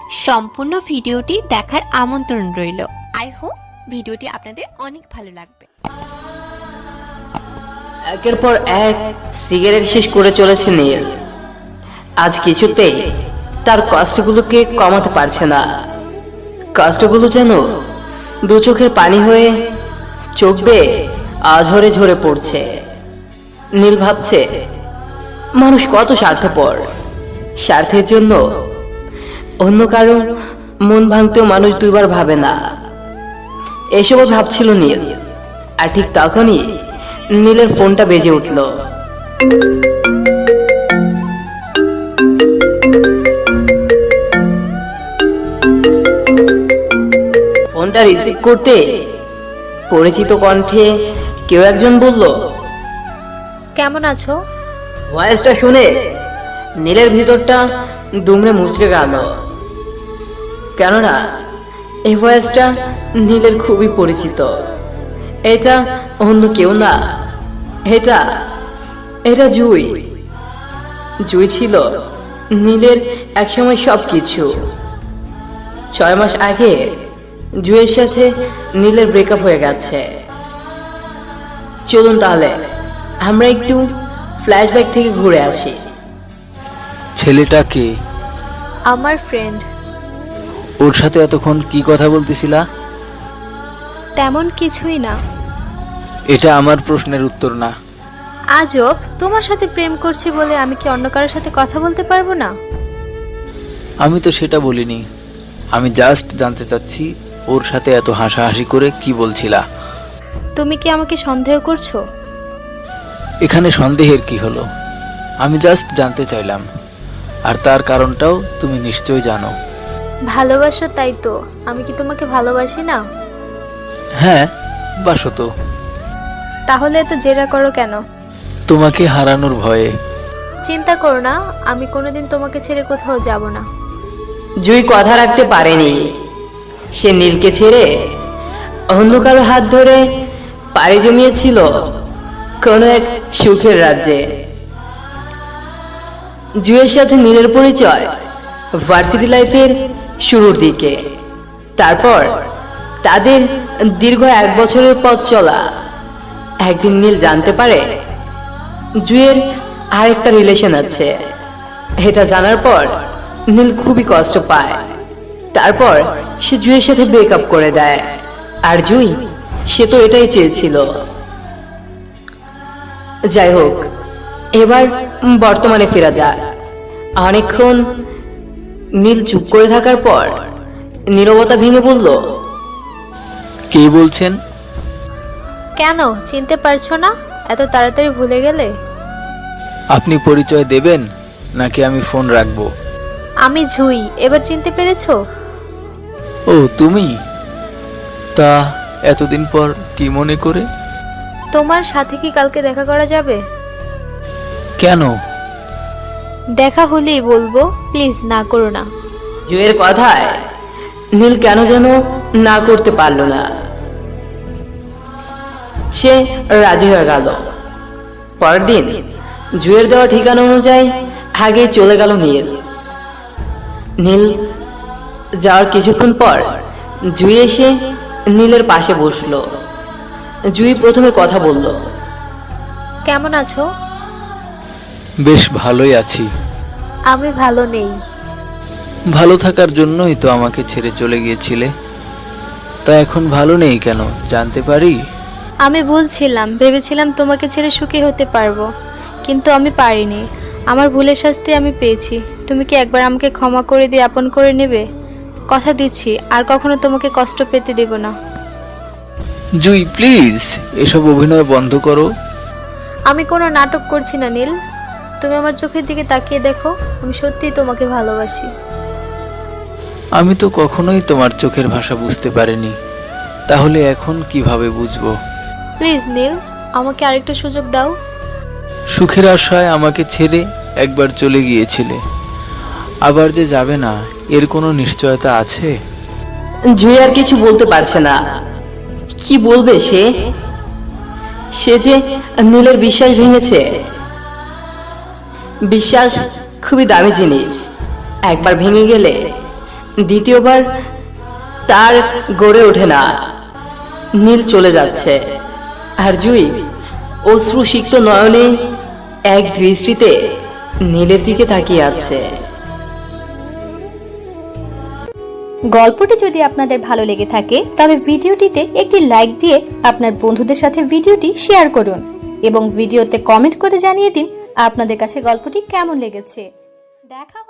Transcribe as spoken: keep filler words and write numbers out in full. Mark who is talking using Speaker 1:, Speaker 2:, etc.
Speaker 1: সম্পূর্ণ ভিডিওটি দেখার আমন্ত্রণ রইল। আই হোপ ভিডিওটি আপনাদের অনেক ভালো লাগবে।
Speaker 2: একের পর এক সিগারেট শেষ করে চলেছে নীল। আজ কিছুতেই তার কষ্টগুলোকে কমাতে পারছে না। কষ্টগুলো যেন দু চোখের পানি হয়ে চোখ বেয়ে আঝরে ঝরে পড়ছে। নীল ভাবছে, মানুষ কত স্বার্থপর। স্বার্থের জন্য অন্য কারো মন ভাঙতেও মানুষ দুইবার ভাবে না। এসবও ভাবছিল নীল। আর ঠিক তখনই নীলের ফোনটা বেজে উঠল। ফোনটা রিসিভ করতে পরিচিত কণ্ঠে কেউ একজন বলল,
Speaker 3: কেমন আছো?
Speaker 2: ভয়েসটা শুনে নীলের ভিতরটা দুমড়ে মুচড়ে গেল। কেননা এই ভয়েসটা নীলের খুবই পরিচিত। এটা অন্য কেউ না, এটা এটা জুই। জুই ছিল নীলের একসময় সবকিছু। ছয় মাস আগে জুইয়ের সাথে নীলের ব্রেকআপ হয়ে গেছে। চলুন তাহলে আমরা একটু ফ্ল্যাশব্যাক থেকে ঘুরে আসি।
Speaker 4: ছেলেটা কে?
Speaker 3: আমার ফ্রেন্ড।
Speaker 4: ওর সাথে এতক্ষণ কি কথা বলতেছিলা?
Speaker 3: তেমন কিছুই না।
Speaker 4: এটা আমার প্রশ্নের উত্তর না।
Speaker 3: আজব, তোমার সাথে প্রেম করছি বলে আমি কি অন্য কারোর সাথে কথা বলতে পারবো না?
Speaker 4: আমি তো সেটা বলিনি। আমি জাস্ট জানতে চাচ্ছি ওর সাথে এত হাসাহাসি করে কি বলছিলা।
Speaker 3: তুমি কি আমাকে সন্দেহ করছো?
Speaker 4: এখানে সন্দেহের কি হলো? আমি জাস্ট জানতে চাইলাম। আর তার কারণটাও তুমি নিশ্চয়ই জানো।
Speaker 3: ভালোবাসো তাই তো। আমি কি তোমাকে ভালোবাসি না?
Speaker 4: হ্যাঁ, বাসো তো।
Speaker 3: তাহলে এত জেরা করো কেন?
Speaker 4: তোমাকে হারানোর ভয়ে।
Speaker 3: চিন্তা করো না, আমি কোনোদিন তোমাকে ছেড়ে কোথাও যাব না।
Speaker 2: জুই কথা রাখতে পারেনি। সে নীলকে ছেড়ে অন্য কারো হাত ধরে পাড়ি জমিয়েছিল কোনো এক সুখের রাজ্যে। জুইয়ের সাথে নীলের পরিচয় ভার্সিটি লাইফের শুরুর দিকে। তারপর তাদের দীর্ঘ এক বছরের পথ চলা। একদিন নীল জানতে পারে জুইয়ের আরেকটা রিলেশন আছে। এটা জানার পর নীল খুবই কষ্ট পায়। তারপর সে জুইয়ের সাথে ব্রেকআপ করে দেয়। আর জুই, সে তো এটাই চেয়েছিল। যাই হোক, এবার বর্তমানে ফেরা যায়। অনেকক্ষণ নীল চুপ করে থাকার পর নীরবতা ভেঙে বলল,
Speaker 4: কে বলছেন?
Speaker 3: কেন, চিনতে পারছো না? এত তাড়াতাড়ি ভুলে গেলে?
Speaker 4: আপনি পরিচয় দেবেন নাকি আমি ফোন রাখবো?
Speaker 3: আমি জুই, এবার চিনতে পেরেছো?
Speaker 4: ও তুমি? তা এতদিন পর কি মনে করে?
Speaker 3: তোমার সাথে কি কালকে দেখা করা যাবে?
Speaker 4: কেন?
Speaker 3: দেখা হলেই বলবো, প্লিজ না করো না।
Speaker 2: জুইয়ের কথায় নীল কেন যেন না করতে পারল না। সে রাজি হয়ে গেল। পরের দিন জুইয়ের দেওয়া ঠিকানা অনুযায়ী আগে চলে গেল নীল। নীল যাওয়ার কিছুক্ষণ পর জুই এসে নীলের পাশে বসলো। জুই প্রথমে কথা বলল,
Speaker 3: কেমন আছো?
Speaker 4: বেশ ভালোই আছি।
Speaker 3: আমি ভালো নেই।
Speaker 4: ভালো থাকার জন্যই তো আমাকে ছেড়ে চলে গিয়েছিলে। তা এখন ভালো নেই কেন জানতে পারি?
Speaker 3: আমি ভুলছিলাম, ভেবেছিলাম তোমাকে ছেড়ে সুখী হতে পারবো, কিন্তু আমি পারিনি। আমার ভুলের শাস্তি আমি পেয়েছি। তুমি কি একবার আমাকে ক্ষমা করে দিয়ে আপন করে নেবে? কথা দিচ্ছি আর কখনো তোমাকে কষ্ট পেতে দেব না।
Speaker 4: জুই প্লিজ, এসব অভিনয় বন্ধ করো।
Speaker 3: আমি কোনো নাটক করছি না নীল। তুমি আমার চোখের দিকে তাকিয়ে দেখো, আমি সত্যিই তোমাকে ভালোবাসি।
Speaker 4: আমি তো কখনোই তোমার চোখের ভাষা বুঝতে পারিনি, তাহলে এখন কিভাবে বুঝবো?
Speaker 3: প্লিজ নীল, আমাকে আরেকটা সুযোগ দাও।
Speaker 4: সুখের আশায় আমাকে ছেড়ে একবার চলে গিয়েছিলে, আবার যে যাবে না এর কোনো নিশ্চয়তা আছে?
Speaker 2: জুই আর কিছু বলতে পারছে না। কি বলবে সে? সে যে নীলের বিশ্বাস ভেঙেছে। বিশ্বাস খুবই দামি জিনিস। একবার ভেঙে গেলে দ্বিতীয়বার তার গড়ে ওঠে না। নীল চলে যাচ্ছে আর জুই অশ্রু সিক্ত নয়নে এক দৃষ্টিতে নীলের দিকে তাকিয়ে আছে।
Speaker 5: গল্পটি যদি আপনাদের ভালো লেগে থাকে তবে ভিডিওটিতে একটি লাইক দিয়ে আপনার বন্ধুদের সাথে ভিডিওটি শেয়ার করুন এবং ভিডিওতে কমেন্ট করে জানিয়ে দিন আপনাদের কাছে গল্পটি কেমন লেগেছে। দেখা